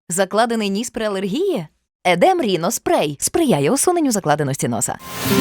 Закладений ніс при алергії? Едем Ріно спрей сприяє усуненню закладеності носа.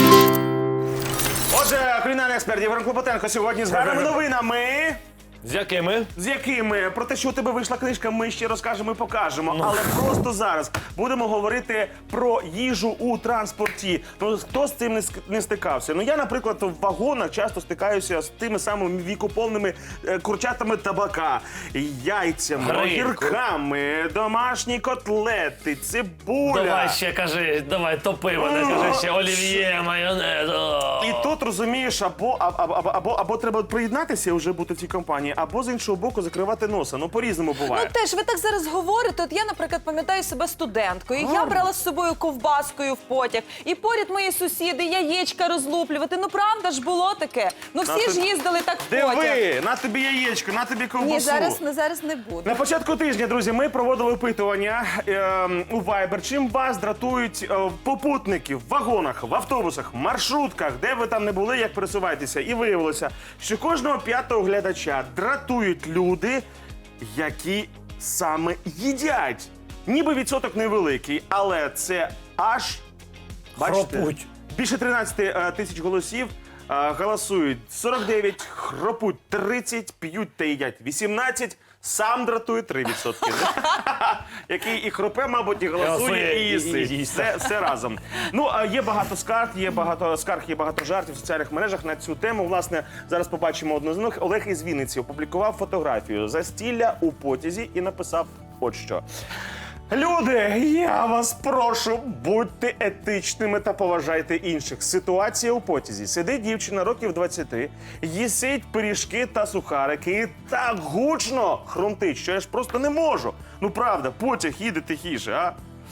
Отже, кулінарний експерт Євген Клопотенко сьогодні з гарними новинами. З якими? З якими? Про те, що у тебе вийшла книжка, ми ще розкажемо і покажемо. Але просто зараз будемо говорити про їжу у транспорті. Ну, хто з цим не стикався? Ну, я, наприклад, в вагонах часто стикаюся з тими самими вікоповними курчатами табака, яйцями, огірками, домашні котлети, цибуля. Давай ще кажи, давай топи мене, кажи ще олів'є, майонез. І тут, розумієш, або треба приєднатися і вже бути в цій компанії, або з іншого боку закривати носа. Ну, по-різному буває. Ну теж, ви так зараз говорите, от я, наприклад, пам'ятаю себе студенткою. Я брала з собою ковбаскою в потяг. І поряд мої сусіди яєчка розлуплювати. Ну правда ж було таке? Ну всі ж їздили так в потяг. Диви, на тобі яєчко, на тобі ковбасу. Ні, зараз не буде. На початку тижня, друзі, ми проводили опитування у Viber. Чим вас дратують попутники в вагонах, в автобусах, маршрутках, де ви там не були, як пересуваєтеся. І виявилося, що кожного п'ятого глядача дратують люди, які саме їдять. Ніби відсоток невеликий, але це аж, бачите, Хропуть. більше 13 тисяч голосів голосують. 49 хропуть, 30 п'ють та їдять, 18 сам дратує 3%. Який і хропе, мабуть, і голосує, і їсти. Все разом. Ну, є багато скарг, є багато жартів в соціальних мережах на цю тему. Власне, зараз побачимо одну з них. Олег із Вінниці опублікував фотографію застілля у потязі і написав от що. Люди, я вас прошу, будьте етичними та поважайте інших. Ситуація у потязі. Сидить дівчина років 20, їсить пиріжки та сухарики і так гучно хрумтить, що я ж просто не можу. Ну правда, потяг їде тихіше, а?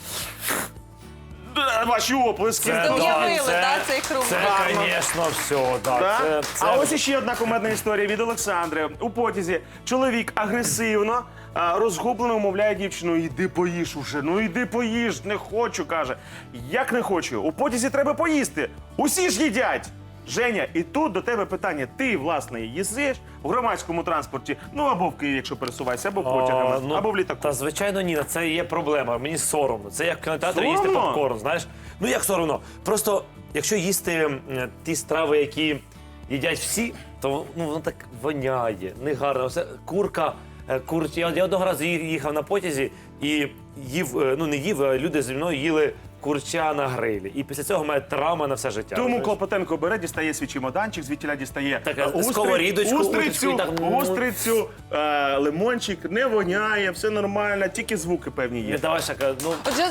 Ваші оплески. Уявили, так, цей хрум. Це, звісно, все, Да? так. А ось іще одна кумедна історія від Олександри. У потязі чоловік агресивно, розгублено умовляє дівчину: «Іди поїж уже, ну іди поїж, не хочу», каже. Як не хочу? У потязі треба поїсти. Усі ж їдять. Женя, і тут до тебе питання. Ти, власне, їздиш в громадському транспорті, ну або в Києві, якщо пересуваєшся, або потягами, або в літаку. Та, звичайно, ні, це є проблема. Мені соромно. Це як в кінотеатрі Соромно? їсти попкорн, знаєш? Ну, як соромно? Просто, якщо їсти ті страви, які їдять всі, то воно так воняє, негарно. Все, курка. Я одного разу їхав на потязі і їв, не їв, а люди зі мною їли курча на грилі. І після цього в мене травма на все життя. Тому Клопотенко бере, дістає свій чемоданчик, звідтіля дістає сковорідочку, устрицю, лимончик, не воняє, все нормально, тільки звуки певні є. Давай, Шака, Отже,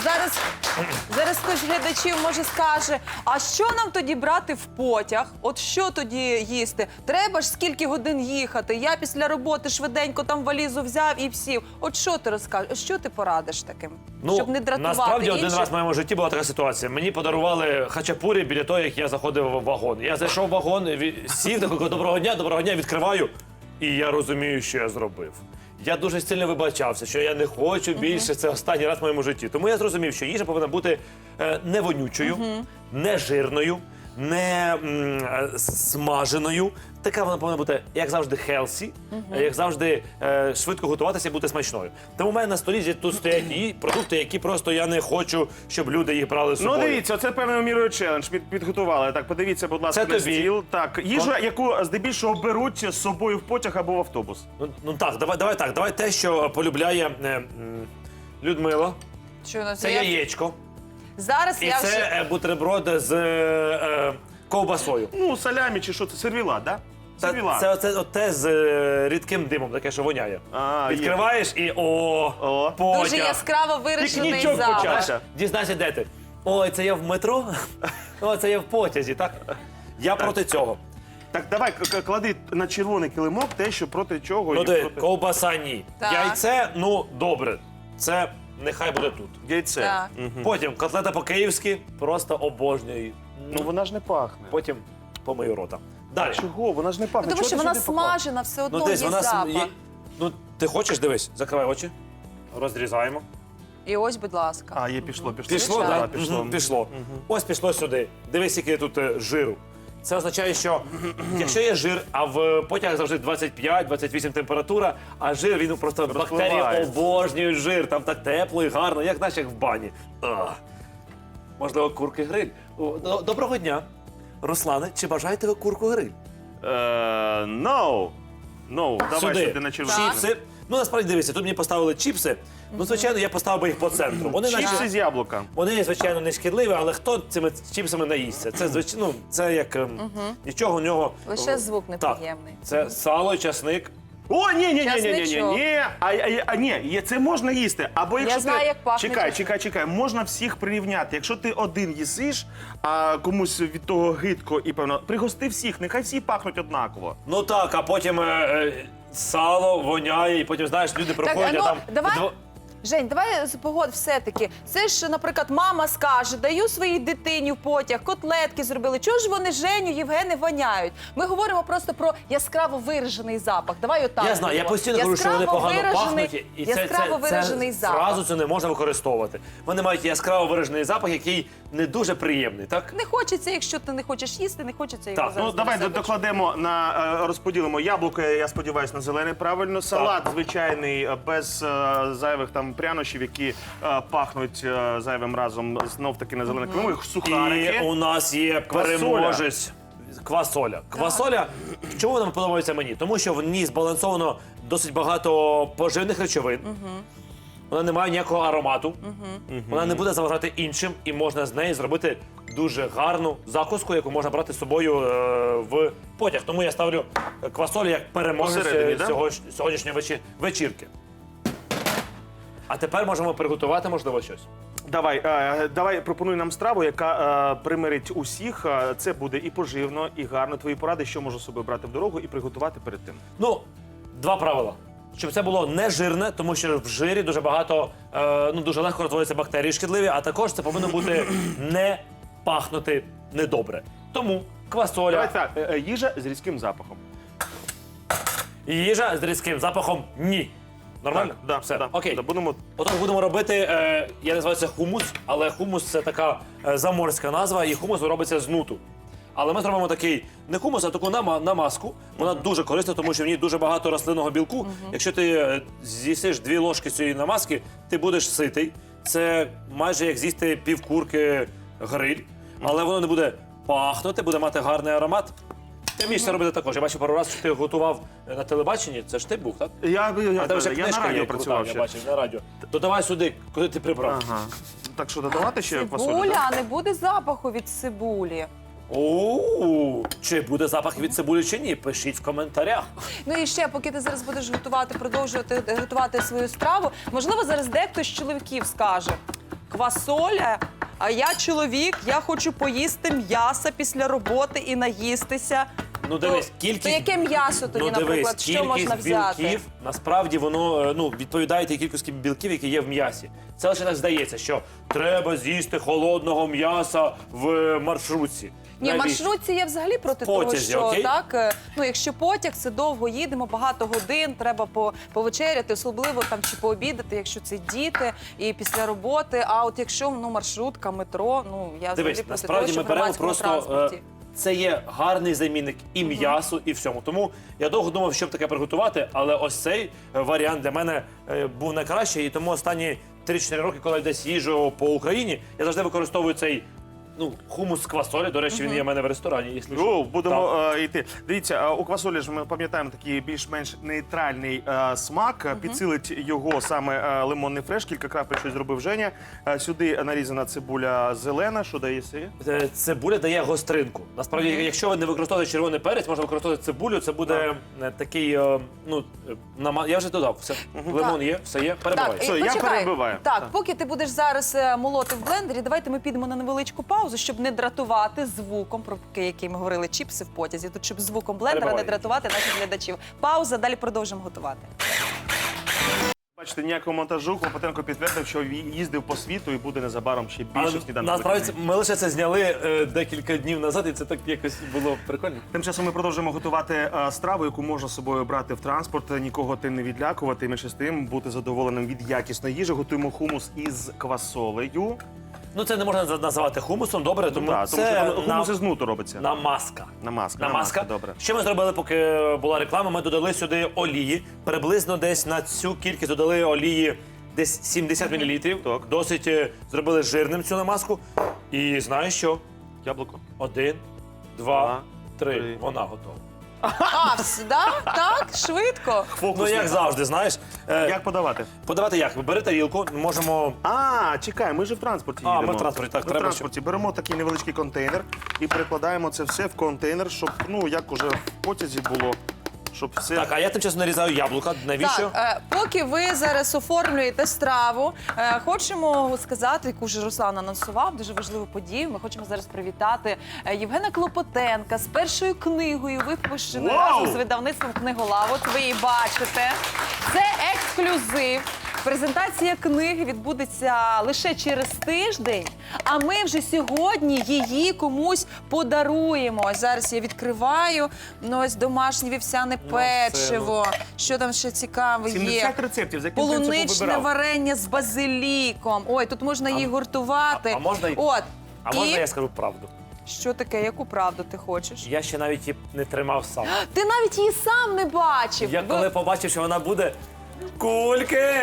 зараз хтось з глядачів може скаже, а що нам тоді брати в потяг? От що тоді їсти? Треба ж скільки годин їхати? Я після роботи швиденько там валізу взяв і сів. От що ти розкажеш? Що ти порадиш таким? Щоб не дратувати насправді інших? один раз в моєму житті була така ситуація. Мені подарували хачапурі біля того, як я заходив в вагон. Я зайшов в вагон, сів, такий: доброго дня, відкриваю. І я розумію, що я зробив. Я дуже сильно вибачався, що я не хочу більше, це останній раз в моєму житті. Тому я зрозумів, що їжа повинна бути не вонючою, не жирною, не смаженою. Така вона повинна бути, як завжди, хелсі, як завжди, швидко готуватися і бути смачною. Тому в мене на столі тут стоять і продукти, які просто я не хочу, щоб люди їх брали з собою. Ну, дивіться, це певною мірою челендж підготували. Так, подивіться, будь ласка, Це на тобі. стіл. Так, їжа, яку здебільшого беруть з собою в потяг або в автобус. Ну так, давай те, що полюбляє Людмила. Що у нас Це є? яєчко. Зараз І я вже... це бутерброд з ковбасою. Ну, салямі чи що це? Сервіла, так? Да? Сервіла. Це те з рідким димом, таке, що воняє. Є. Відкриваєш і потяг. Дуже яскраво вирішений Пікнічок запах. почався. Дізнайся, де ти? Ой, це я в метро? Ой, це я в потязі, так? Я проти цього. Так, давай, клади на червоний килимок те, що проти чого. Ну, і де, проти... ковбаса ні. Так. Яйце, ну, добре. Це нехай буде тут. Яйце. Так. Потім котлета по-київськи, просто обожнюю. Ну, вона ж не пахне. Потім помию рота. Далі. Чого? Вона ж не пахне. Тому Чого що ти вона сюди поклав? смажена, все одно дивись, є запах. Ну, ти хочеш, дивись, закривай очі, розрізаємо. І ось, будь ласка. А, є, пішло. Пішло, Звичайно. так? Пішло. Ось пішло сюди. Дивись, який тут жиру. Це означає, що якщо є жир, а в потягах завжди 25-28 температура, а жир, він просто бактерії Розпливається. обожнюють жир, там так тепло і гарно, як наче в бані. Можливо, курки гриль. Доброго дня. Руслане, чи бажаєте ви курку гриль? No. Давай сюди на червону. Чіпси. Ну, насправді, дивіться, тут мені поставили чіпси. Ну, звичайно, я поставив би їх по центру. Вони, Чіпси з яблука. вони, звичайно, не шкідливі, але хто цими чіпсами наїсться? Це, звичайно, ну, це як нічого у нього. Лише звук Так, неприємний. це сало, часник. О, ні. Часничок. Ні, це можна їсти. Або якщо знаю, як пахне Чекай. Можна всіх прирівняти. Якщо ти один їсиш, а комусь від того гидко і певно, пригости всіх, нехай всі пахнуть однаково. Ну так, а потім сало воняє, і потім, знаєш, люди проходять, а там... давай. Жень, давай погодь все-таки. Це ж, наприклад, мама скаже, даю своїй дитині в потяг, котлетки зробили. Чого ж вони Женю, Євгени воняють? Ми говоримо просто про яскраво виражений запах. Давай отак. Я знаю, я постійно кажу, що вони погано пахнуть, і яскраво виражений запах. зразу це не можна використовувати. Вони мають яскраво виражений запах, який не дуже приємний, так? Не хочеться, якщо ти не хочеш їсти, не хочеться його Так, зараз. Ну, давай на себе. докладемо розподілимо яблуко, я сподіваюся, на зелене правильно. Салат звичайний, без зайвих там прянощів, які пахнуть зайвим разом знов-таки на зелене килиму. Сухарики. І у нас є переможець. Квасоля. Квасоля, чому вона подобається мені? Тому що в ній збалансовано досить багато поживних речовин. Вона не має ніякого аромату. Вона не буде заважати іншим, і можна з неї зробити дуже гарну закуску, яку можна брати з собою в потяг. Тому я ставлю квасолю як переможець Посередині, да? сьогоднішньої вечірки. А тепер можемо приготувати, можливо, щось. Давай пропонуй нам страву, яка примирить усіх. Це буде і поживно, і гарно. Твої поради, що можу собі брати в дорогу і приготувати перед тим. Ну, два правила. Щоб це було не жирне, тому що в жирі дуже багато, дуже легко розводяться бактерії шкідливі, а також це повинно бути не пахнути недобре. Тому квасоля, Давай так, їжа з різким запахом. їжа з різким запахом – ні. Нормально? Так, Все, да, окей. да, будемо... Отож будемо робити, я називаю це хумус, але хумус – це така заморська назва, і хумус робиться з нуту. Але ми зробимо такий не хумус, а таку намазку. Вона дуже корисна, тому що в ній дуже багато рослинного білку. Якщо ти з'їсиш 2 ложки цієї намазки, ти будеш ситий. Це майже як з'їсти півкурки гриль, але воно не буде пахнути, буде мати гарний аромат. Ти вмієш це робити також. Я бачив пару разів, що ти готував на телебаченні. Це ж ти був, так? Я вже на книжка радіо є, працював я ще. бачив, на радіо. Додавай сюди, куди ти прибрав. Ага. Так що, додавати ще квасолю? Цибуля, а не буде запаху від цибулі. Чи буде запах від цибулі чи ні? Пишіть в коментарях. Ну і ще, поки ти зараз будеш продовжувати готувати свою страву, можливо, зараз дехто з чоловіків скаже: квасоля, а я чоловік, я хочу поїсти м'яса після роботи і наїстися. Ну дивись, кількість... То яке м'ясо тоді, наприклад, що можна взяти? Білків, насправді воно відповідає тій кількості білків, які є в м'ясі. Це лише так здається, що треба з'їсти холодного м'яса в маршрутці. Ні, в Навіщо? маршрутці я взагалі проти Потязі, того, що окей? так, якщо потяг, це довго їдемо, багато годин, треба повечеряти, особливо там чи пообідати, якщо це діти і після роботи. А от якщо маршрутка, метро, я взагалі Дивись, проти того, насправді що ми в беремо громадському просто... транспорті. Це є гарний замінник і м'ясу, і всьому. Тому я довго думав, щоб таке приготувати, але ось цей варіант для мене був найкращий. І тому останні 3-4 роки, коли я десь їжджу по Україні, я завжди використовую цей хумус з квасолі. До речі, він є в мене в ресторані. Якщо що. Будемо йти. Дивіться, у квасолі ж ми пам'ятаємо такий більш-менш нейтральний смак. Підсилить його саме лимонний фреш. Кілька крапель щось зробив Женя. Сюди нарізана цибуля зелена. Що дає сі? Цибуля дає гостринку. Насправді, якщо ви не використовуєте червоний перець, можна використовувати цибулю. Це буде такий, я вже додав. Все. Лимон є, все є. Перебивай. Все, я почекай. перебиваю. Так, поки ти будеш зараз молоти в блендері, давайте ми підемо на невеличку паузу, щоб не дратувати звуком, про який ми говорили, чіпси в потязі. Тут, щоб звуком блендера Перебивай. не дратувати наших глядачів. Пауза, далі продовжимо готувати. Бачите, ніякого монтажу. Клопотенко підтвердив, що їздив по світу і буде незабаром ще більше сніданків. Насправді, ми лише це зняли декілька днів назад, і це так якось було прикольно. Тим часом ми продовжуємо готувати страву, яку можна з собою брати в транспорт, нікого тим не відлякувати, і менше з тим бути задоволеним від якісної їжі. Готуємо хумус із квасолею. Ну, це не можна називати хумусом, добре, тому Так, тому це що хумус із нуту робиться. намазка. Намазка, добре. Що ми зробили, поки була реклама? Ми додали сюди олії. Приблизно десь на цю кількість додали олії десь 70 мл. Так. Досить зробили жирним цю намазку. І знаєш що? Яблуко. 1, 2, 3. 3. Вона готова. А, да? Так, швидко. Ну, як завжди, знаєш. Як подавати? Подавати як? Бери тарілку, можемо... А, чекай, ми ж в транспорті їдемо. ми в транспорті, так, Ми в треба транспорті. Беремо такий невеличкий контейнер і перекладаємо це все в контейнер, щоб, ну, як уже в потязі було, щоб все... Так, а я тим часом нарізаю яблука. Навіщо? Так, поки ви зараз оформлюєте страву, хочемо сказати, яку вже Руслан анонсував, дуже важливу подію. Ми хочемо зараз привітати Євгена Клопотенка з першою книгою, випущеною Вау! разом з видавництвом «Книголав». От ви її бачите. Це ексклюзив. Презентація книги відбудеться лише через тиждень, а ми вже сьогодні її комусь подаруємо. Ось зараз я відкриваю. Ну, ось домашнє вівсяне печиво. Що там ще цікаве є? 70 рецептів, за яким принципом Полуничне вибирав? варення з базиліком. Ой, тут можна її гуртувати. а можна й- От. А І можна я скажу правду? що таке? Яку правду ти хочеш? Я ще навіть її не тримав сам. Ти навіть її сам не бачив. Я Ви- коли побачив, що вона буде кульки.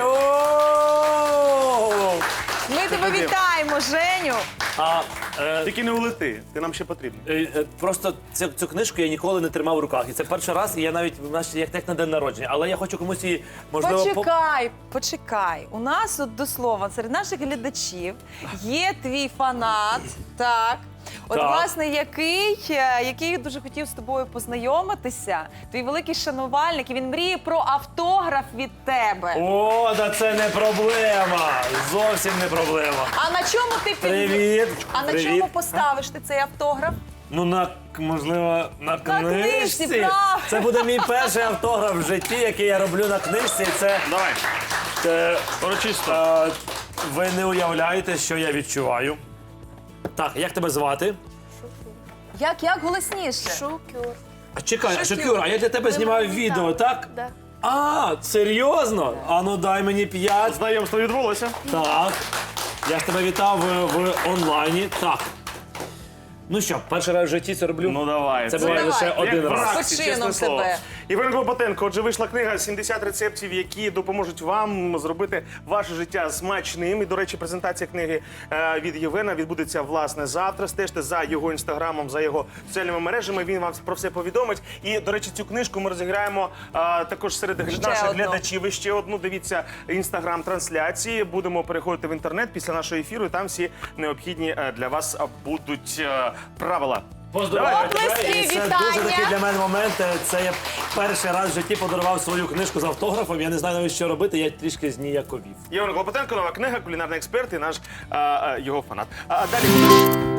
О! Ми тебе вітаємо, Женю. А Тільки не улети, ти нам ще потрібен. просто цю книжку я ніколи не тримав в руках. І це перший раз, і я навіть як на день народження. Але я хочу комусь її, можливо, Почекай. У нас, от до слова, серед наших глядачів є твій фанат, так. От, Так. власне, який дуже хотів з тобою познайомитися, твій великий шанувальник, і він мріє про автограф від тебе. О, да це не проблема. Зовсім не проблема. А на чому ти Привіт. А на Привіт. чому поставиш ти цей автограф? Ну, можливо, на книжці, книжці. правда. Це буде мій перший автограф в житті, який я роблю на книжці. Це Давай, урочисто. ви не уявляєте, що я відчуваю. Так, як тебе звати? Як голосніше? А чекай, Шокюр. Шокюр, а я для тебе знімаю відео, так? Да. А, серйозно? А ну дай мені 5. Знайомство відбулося. Так. Я ж тебе вітав в онлайні. Так. Ну що, перший раз в житті це роблю. Ну давай. Це буває давай. лише один Як в раз. Раксі, З почином чесне слово. тебе. Євген Клопотенко, отже, вийшла книга «70 рецептів, які допоможуть вам зробити ваше життя смачним». І, до речі, презентація книги від Євгена відбудеться, власне, завтра. Стежте за його інстаграмом, за його соціальними мережами. Він вам про все повідомить. І, до речі, цю книжку ми розіграємо також серед наших одну. глядачів. І ще одну. Дивіться інстаграм-трансляції. Будемо переходити в інтернет після нашого ефіру. І там всі необхідні для вас будуть правила. Поздравляю Оплески, тебе. І це вітання. дуже такий для мене момент. Це я перший раз в житті подарував свою книжку з автографом. Я не знаю навіть, що робити, я трішки зніяковів. Євген Клопотенко, нова книга, кулінарний експерт і наш його фанат. А далі.